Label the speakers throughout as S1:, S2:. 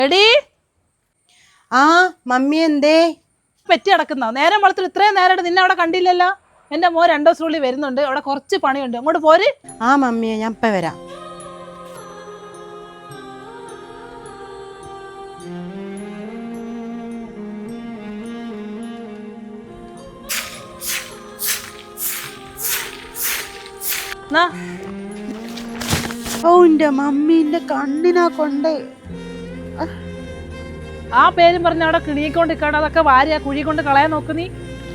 S1: എടി
S2: ആ മമ്മി എന്തേ
S1: പെറ്റി കിടക്കുന്നോ? നേരം വളർത്തിൽ ഇത്രയും നേരമായിട്ട് നിന്നെ അവിടെ കണ്ടില്ലല്ലോ. എന്റെ മോൻ 2 ദിവസത്തിനുള്ളിൽ വരുന്നുണ്ട്. അവിടെ കുറച്ച് പണിയുണ്ട്. അങ്ങോട്ട് പോര്.
S2: ആ മമ്മിയെ ഞാൻ ഇപ്പം വരാം. ഓ എന്റെ മമ്മീന്റെ കണ്ണിനാ കൊണ്ടേ.
S1: ആ പേരും പറഞ്ഞ അവിടെ കിണിക്കൊണ്ടിരിക്കാണ്. അതൊക്കെ വാരി ആ കുഴി കൊണ്ട് കളയാൻ നോക്ക് നീ.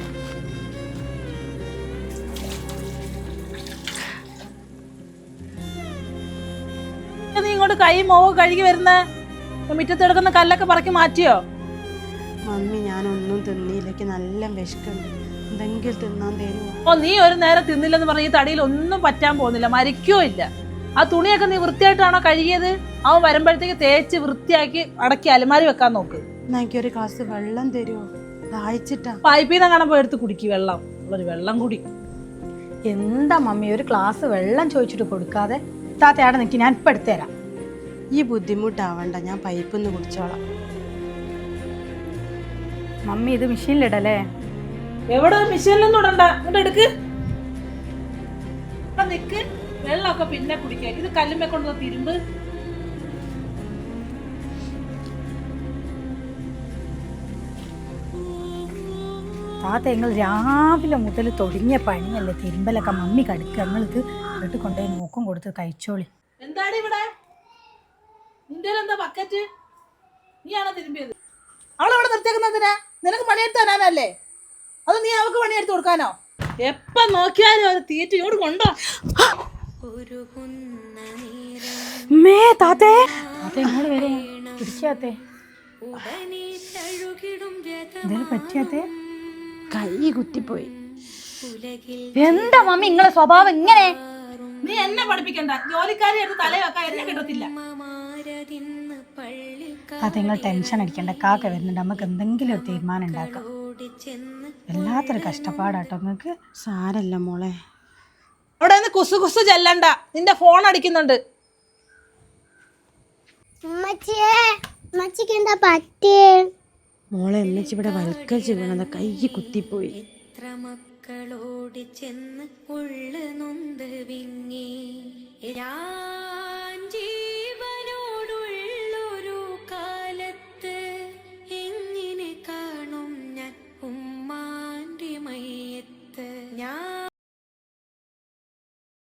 S1: നീ ഇങ്ങോട്ട് കൈ മോവ് കഴുകി വരുന്നേ? മുറ്റത്ത് കിടക്കുന്ന കല്ലൊക്കെ പറക്കി മാറ്റിയോ?
S2: മമ്മി ഞാനൊന്നും തിന്നിയിലേക്ക് നല്ല വിശക്കുണ്ട്, എന്തെങ്കിലും തിന്നാൻ തരുമോ?
S1: ഓ നീ ഒരു നേരം തിന്നില്ലെന്ന് പറഞ്ഞ ഈ തടിയിൽ ഒന്നും പറ്റാൻ പോകുന്നില്ല, മരിക്കോ ഇല്ല. ആ തുണിയൊക്കെ നീ വൃത്തിയായിട്ടാണോ കഴുകിയത്? അവൻ വരുമ്പോഴത്തേക്ക് തേച്ച് വൃത്തിയാക്കി അടക്കി അലമാരി വെക്കാൻ നോക്ക്.
S2: എന്നാ എനിക്കൊരു ഗ്ലാസ് വെള്ളം തരുമോ? ദാഹിച്ചിട്ടാ.
S1: പൈപ്പിൽ നിന്ന് കാണാൻ പോയി എടുത്ത് കുടിക്ക് വെള്ളം. ഒരു വെള്ളം കുടി.
S3: എന്താ മമ്മി ഒരു ഗ്ലാസ് വെള്ളം ചോദിച്ചിട്ട് കൊടുക്കാതെ? താത്തയാടെ നിൽക്കി, ഞാൻ ഇപ്പം എടുത്തുതരാം.
S2: ഈ ബുദ്ധിമുട്ടാവണ്ട, ഞാൻ പൈപ്പിൽ നിന്ന് കുടിച്ചോളാം.
S3: മമ്മി ഇത് മെഷീനിലിടല്ലേ?
S1: എവിടെ മിഷീനിലൊന്നും ഇടണ്ട, ഇങ്ങോട്ട് എടുക്ക്. നിക്ക്, വെള്ളമൊക്കെ പിന്നെ കുടിക്കുക. ഇത് കല്ലുമ്മ കൊണ്ട് തിരുമ്പ്.
S3: താത്ത നിങ്ങൾ രാവിലെ മുതൽ തുടങ്ങിയ പണിയല്ലേ തിരുമ്പലൊക്കെ. മമ്മി കടുക്കുക, നിങ്ങളിത് വീട്ടിൽ കൊണ്ടുപോയി മൂക്കും കൊടുത്ത് കഴിച്ചോളി.
S1: എന്താണ് ഇവിടെ നിന്റെ എന്താ ബക്കറ്റ്? നീയാണോ തിരുമ്പിയത്? അവളെവിടെ നിർത്തിയേക്കുന്നതിനാ? നിനക്ക് പണിയെടുത്ത് തരാനല്ലേ? അത് നീ അവൾക്ക് പണിയെടുത്ത് കൊടുക്കാനോ? എപ്പ നോക്കിയാലും അത് തീറ്റ ഇങ്ങോട്ട് കൊണ്ടോ.
S3: താത്തേ ഇങ്ങോട്ട് വരെ പിടിക്കാത്തേ, എന്തേലും പറ്റിയാത്തേ?
S2: കൈ കുത്തിപ്പോയി.
S3: എന്താ മമ്മി നിങ്ങളെ സ്വഭാവം ഇങ്ങനെ?
S1: നീ എന്നെ പഠിപ്പിക്കണ്ട. ജോലിക്കാരി എടുത്ത് തലയൊക്കെ എന്നെ കിട്ടത്തില്ല.
S3: താത്ത നിങ്ങൾ ടെൻഷൻ അടിക്കണ്ട, കാക്ക വരുന്നുണ്ട്, നമുക്ക് എന്തെങ്കിലും ഒരു തീരുമാനം ഉണ്ടാക്കാം. വല്ലാത്തൊരു കഷ്ടപ്പാടാട്ടോ നിങ്ങൾക്ക്.
S2: സാരല്ല മോളെ.
S1: അവിടെ നിന്ന് കുസു കുസു ചെല്ലണ്ട, നിന്റെ ഫോൺ അടിക്കുന്നുണ്ട്.
S2: മോളെ എമ്മച്ചി ഇവിടെ വൽക്കരിച്ച് വീണത്, കൈ കുത്തിപ്പോയി.
S4: മക്കളോട് ചെന്ന് ഉള്ളു നൊന്ത് വിങ്ങി